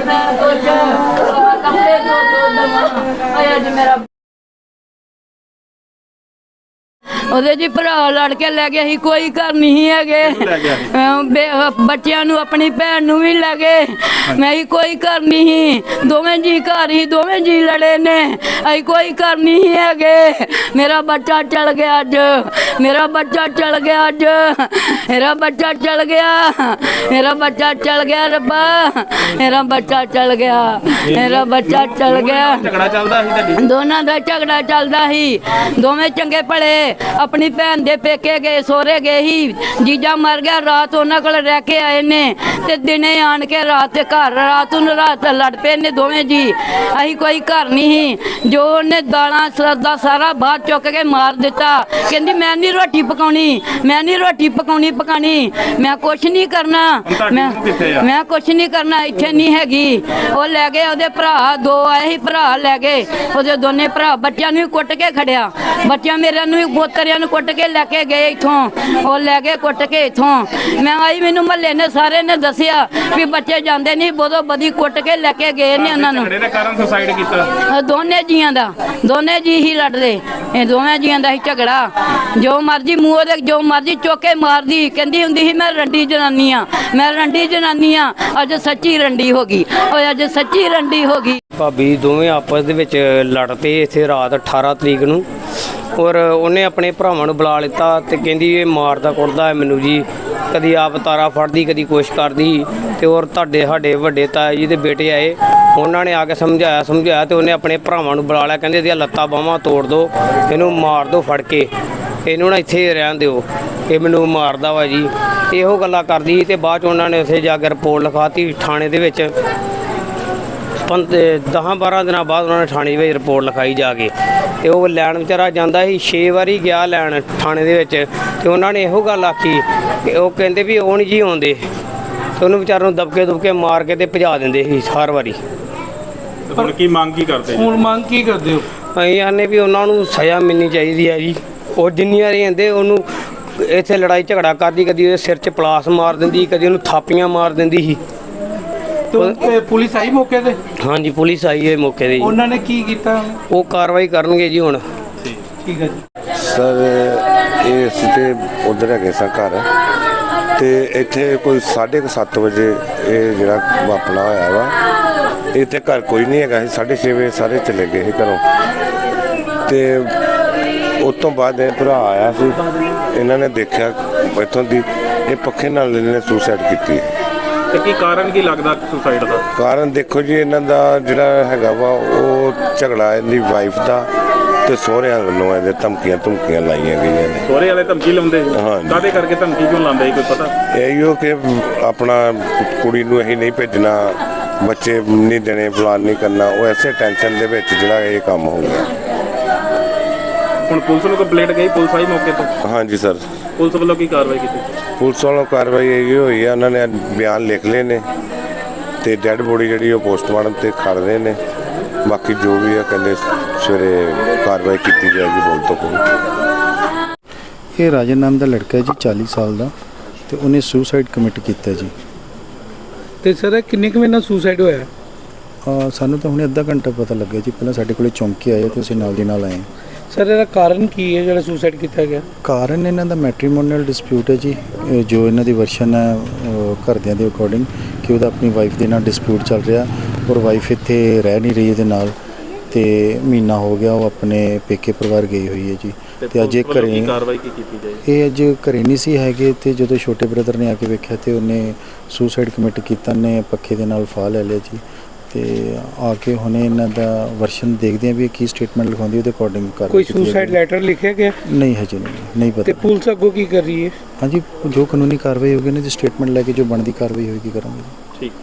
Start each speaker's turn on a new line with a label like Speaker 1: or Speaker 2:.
Speaker 1: मैं कुछ कपड़े दो आज मेरा ਉਹਦੇ ਜੀ ਭਰਾ ਲੜ ਕੇ ਲੈ ਗਿਆ ਸੀ ਕੋਈ ਘਰ ਨਹੀਂ ਹੈਗੇ ਬੱਚਿਆਂ ਨੂੰ ਆਪਣੀ ਭੈਣ ਨੂੰ ਵੀ ਲੈ ਗਏ ਮੈਂ ਹੀ ਕੋਈ ਘਰ ਨਹੀਂ ਦੋਵੇਂ ਜੀ ਘਰ ਹੀ ਦੋਵੇਂ ਜੀ ਲੜੇ ਨੇ ਅਸੀਂ ਕੋਈ ਘਰ ਨਹੀਂ ਹੈਗੇ ਮੇਰਾ ਬੱਚਾ ਚਲ ਗਿਆ ਅੱਜ ਮੇਰਾ ਬੱਚਾ ਚਲ ਗਿਆ ਅੱਜ ਮੇਰਾ ਬੱਚਾ ਚਲ ਗਿਆ ਮੇਰਾ ਬੱਚਾ ਚਲ ਗਿਆ ਰੱਬਾ ਮੇਰਾ ਬੱਚਾ ਚਲ ਗਿਆ ਮੇਰਾ ਬੱਚਾ ਚਲ ਗਿਆ
Speaker 2: ਝਗੜਾ ਚੱਲਦਾ ਸੀ ਤੁਹਾਡੀ
Speaker 1: ਦੋਨਾਂ ਦਾ ਝਗੜਾ ਚੱਲਦਾ ਸੀ ਦੋਵੇਂ ਚੰਗੇ ਭਲੇ अपनी भैन दे पेके गए सोहरे गए ही जीजा मर गया रात उन्होंने को रह के आए ने ते दिने आन के रात घर रात लड़ पे ने दोवें जी असी कोई घर नहीं जो उन्हें दालां दा सारा बाहर चुक के मार दिता कहंदी मैं नहीं रोटी पकाउणी मैं नहीं रोटी पकाउणी मैं कुछ नहीं करना मैं कुछ नहीं करना इत्थे नहीं हैगी वो लै गए ओहदे भरा दो आए ही भरा लै गए ओहदे दोने भरा बच्चों नूं कुट के खड़िया बच्चों मेरे नूं पोतरियां नूं कुट के लैके गए इत्थों वो लै गए कुट के इत्थों मैं आई मैनूं महल्ले ने सारे ने दसिया भी बच्चे जांदे नहीं बोधो बदी कुट के लैके गए ने उन्हां नूं
Speaker 2: सुसाइड कीता
Speaker 1: दोने जियां दा दोने जी ही लड़दे दोवें जियां दा ही झगड़ा जो मर्जी मूंह दे जो मर्जी चौके मारदी कहंदी हुंदी ही मैं रंडी जनानी आ मैं रंडी जनानी आ अज सच्ची रंडी हो गई और अज सच्ची रंडी हो गई
Speaker 3: भाभी दोवें आपस दे विच लड़ पे इत्थे रात 18 तरीक नूं और उन्हें अपने भरावां नूं बुला लिता ते कहंदी ये मारदा कुटदा है मैनूं जी कदी आप तारा फड़दी कदी कुछ करदी ते और तुहाडे साडे वड्डे ताए जी दे बेटे आए उन्होंने आके समझाया तो उन्हें अपने भरावां नूं बुला लिया कहंदे इहदियां लत्तां बाहां तोड़ दो इहनूं मार दो फड़ के इहनूं ना इत्थे रहण दिओ ये मैनूं मारदा वा जी इहो गल्लां करदी ते बाद च उन्होंने उत्थे जाके रिपोर्ट लिखाती थाणे दे विच 10-12 दिन बाद उन्होंने थाने में रिपोर्ट लिखाई जाके तो वह लैन बेचारा जाता ही 6 बारी गया लैन थाने दे तो उन्होंने यहो गल आखी वो कहते भी वो नहीं जी आते तो उन्होंने बेचारे दबके मार के भजा देंगे ही हर बारी
Speaker 2: की मांग की करते
Speaker 4: हुण मांग की करदे हो
Speaker 3: असीं आने भी उन्होंने सज़ा मिलनी चाहिए है जी और जिन्नी बारी आते उन्होंने इत्थे लड़ाई झगड़ा करती कभी सिर च पलास मार देंदी कभी उन्होंने थापियां मार देंदी ही
Speaker 4: तो पुलिस आई मौके ते
Speaker 3: हाँ जी पुलिस आई है मौके ते
Speaker 4: उन्होंने की कीता
Speaker 3: वो कार्रवाई करनगे जी हुण
Speaker 4: ठीक है जी
Speaker 5: सर ये असीं ते उधर है सा घर ते इत्थे कोई 7:30 बजे ये जिहड़ा वापरा होया वा इत्थे घर कोई नहीं हैगा 6:30 बजे सारे चले गए घरों ते उस तो बाद भरा आया सी इन्हां ने देखिया इत्थों दी ये पक्खे नाल इन्हां ने सुसाइड कीती
Speaker 2: ਤੇ ਕੀ ਕਾਰਨ ਕੀ ਲੱਗਦਾ ਸੁਸਾਈਡ ਦਾ
Speaker 5: ਕਾਰਨ ਦੇਖੋ ਜੀ ਇਹਨਾਂ ਦਾ ਜਿਹੜਾ ਹੈਗਾ ਵਾ ਉਹ ਝਗੜਾ ਇਹਦੀ ਵਾਈਫ ਦਾ ਤੇ ਸਹੁਰਿਆਂ ਵੱਲੋਂ ਇਹਦੇ ਧਮਕੀਆਂ ਲਾਈਆਂ ਗਈਆਂ ਨੇ
Speaker 2: ਸਹੁਰੇ ਵਾਲੇ ਧਮਕੀ ਲਾਉਂਦੇ
Speaker 5: ਹਾਂ
Speaker 2: ਕਾਹਦੇ ਕਰਕੇ ਧਮਕੀ ਕਿਉਂ ਲਾਉਂਦੇ ਕੋਈ ਪਤਾ
Speaker 5: ਇਹੋ ਕਿ ਆਪਣਾ ਕੁੜੀ ਨੂੰ ਅਸੀਂ ਨਹੀਂ ਭੇਜਣਾ ਬੱਚੇ ਨਹੀਂ ਦੇਣੇ ਫਲਾਨ ਨਹੀਂ ਕਰਨਾ ਉਹ ਐਸੇ ਟੈਨਸ਼ਨ ਦੇ ਵਿੱਚ ਜਿਹੜਾ ਇਹ ਕੰਮ ਹੋ ਗਿਆ
Speaker 2: ਹੁਣ ਪੁਲਿਸ ਨੂੰ ਕੰਪਲੇਂਟ ਗਈ ਪੁਲਿਸ ਆਈ ਮੌਕੇ ਤੇ
Speaker 5: ਹਾਂਜੀ ਸਰ
Speaker 2: ਪੁਲਿਸ ਵੱਲੋਂ ਕੀ ਕਾਰਵਾਈ ਕੀਤੀ
Speaker 5: ਪੁਲਿਸ ਵੱਲੋਂ ਕਾਰਵਾਈ ਇਹ ਹੋਈ ਆ ਉਹਨਾਂ ਨੇ ਬਿਆਨ ਲਿਖ ਲਏ ਨੇ ਤੇ ਡੈੱਡ ਬੋਡੀ ਜਿਹੜੀ ਉਹ ਪੋਸਟਮਾਰਟਮ ਤੇ ਖੜ ਰਹੇ ਨੇ ਬਾਕੀ ਜੋ ਵੀ ਆ ਕਹਿੰਦੇ ਸਵੇਰੇ ਕਾਰਵਾਈ ਕੀਤੀ ਜਾਏਗੀ ਬੋਲ ਤੋਂ ਕੋਈ
Speaker 6: ਇਹ ਰਾਜਨ ਨਾਮ ਦਾ ਲੜਕਾ ਹੈ ਜੀ 40 ਸਾਲ ਦਾ ਤੇ ਉਹਨੇ ਸੁਸਾਈਡ ਕਮਿਟ ਕੀਤਾ ਜੀ
Speaker 4: ਤੇ ਸਰ ਕਿੰਨੇ ਕੁ ਮਹੀਨਾ ਸੁਸਾਈਡ ਹੋਇਆ
Speaker 6: ਸਾਨੂੰ ਤਾਂ ਹੁਣੇ ਅੱਧਾ ਘੰਟਾ ਪਤਾ ਲੱਗਿਆ ਜੀ ਪਹਿਲਾਂ ਸਾਡੇ ਕੋਲੇ ਚੌਂਕੀ ਆਏ ਤੇ ਅਸੀਂ ਨਾਲ ਦੀ ਨਾਲ ਆਏ
Speaker 4: ਸਰ ਇਹਦਾ ਕਾਰਨ ਕੀ ਹੈ ਜਿਹੜਾ ਸੁਸਾਈਡ ਕੀਤਾ ਗਿਆ
Speaker 6: ਕਾਰਨ ਇਹਨਾਂ ਦਾ ਮੈਟਰੀਮੋਨੀਅਲ ਡਿਸਪਿਊਟ ਹੈ ਜੀ ਜੋ ਇਹਨਾਂ ਦੀ ਵਰਸ਼ਨ ਹੈ ਘਰਦਿਆਂ ਦੇ ਅਕੋਰਡਿੰਗ ਕਿ ਉਹਦਾ ਆਪਣੀ ਵਾਈਫ ਦੇ ਨਾਲ ਡਿਸਪਿਊਟ ਚੱਲ ਰਿਹਾ ਔਰ ਵਾਈਫ ਇੱਥੇ ਰਹਿ ਨਹੀਂ ਰਹੀ ਇਹਦੇ ਨਾਲ ਤੇ ਮਹੀਨਾ ਹੋ ਗਿਆ ਉਹ ਆਪਣੇ ਪੇਕੇ ਪਰਿਵਾਰ ਗਈ ਹੋਈ ਹੈ ਜੀ ਤੇ ਅੱਜ ਘਰੇ
Speaker 2: ਕਾਰਵਾਈ ਕੀ ਕੀਤੀ ਜਾਏ
Speaker 6: ਇਹ ਅੱਜ ਘਰੇ ਨਹੀਂ ਸੀ ਹੈਗੇ ਤੇ ਜਦੋਂ ਛੋਟੇ ਬ੍ਰਦਰ ਨੇ ਆ ਕੇ ਵੇਖਿਆ ਤੇ ਉਹਨੇ ਸੁਸਾਈਡ ਕਮਿਟ ਕੀਤਾ ਨੇ ਪੱਖੇ ਦੇ ਨਾਲ ਫਾਹ ਲੈ ਲਿਆ ਜੀ ਤੇ ਆ ਕੇ ਹੁਣੇ ਇਹਨਾਂ ਦਾ ਵਰਸ਼ਨ ਦੇਖਦੇ ਆ ਵੀ ਕੀ ਸਟੇਟਮੈਂਟ ਲਿਖਾਉਂਦੀ ਉਹਦੇ ਅਕੋਰਡਿੰਗ ਕਰ
Speaker 4: ਕੋਈ ਸੁਸਾਈਡ ਲੈਟਰ ਲਿਖਿਆ ਗਿਆ
Speaker 6: ਨਹੀਂ ਹਜੇ ਨਹੀਂ ਪਤਾ
Speaker 4: ਤੇ ਪੁਲਿਸ ਅੱਗੋਂ ਕੀ ਕਰ ਰਹੀ ਹੈ
Speaker 6: ਹਾਂਜੀ ਜੋ ਕਾਨੂੰਨੀ ਕਾਰਵਾਈ ਹੋਗੀ ਨਾ ਜੀ ਸਟੇਟਮੈਂਟ ਲੈ ਕੇ ਜੋ ਬਣਦੀ ਕਾਰਵਾਈ ਹੋਏਗੀ ਕਰਾਂਗੇ
Speaker 2: ਠੀਕ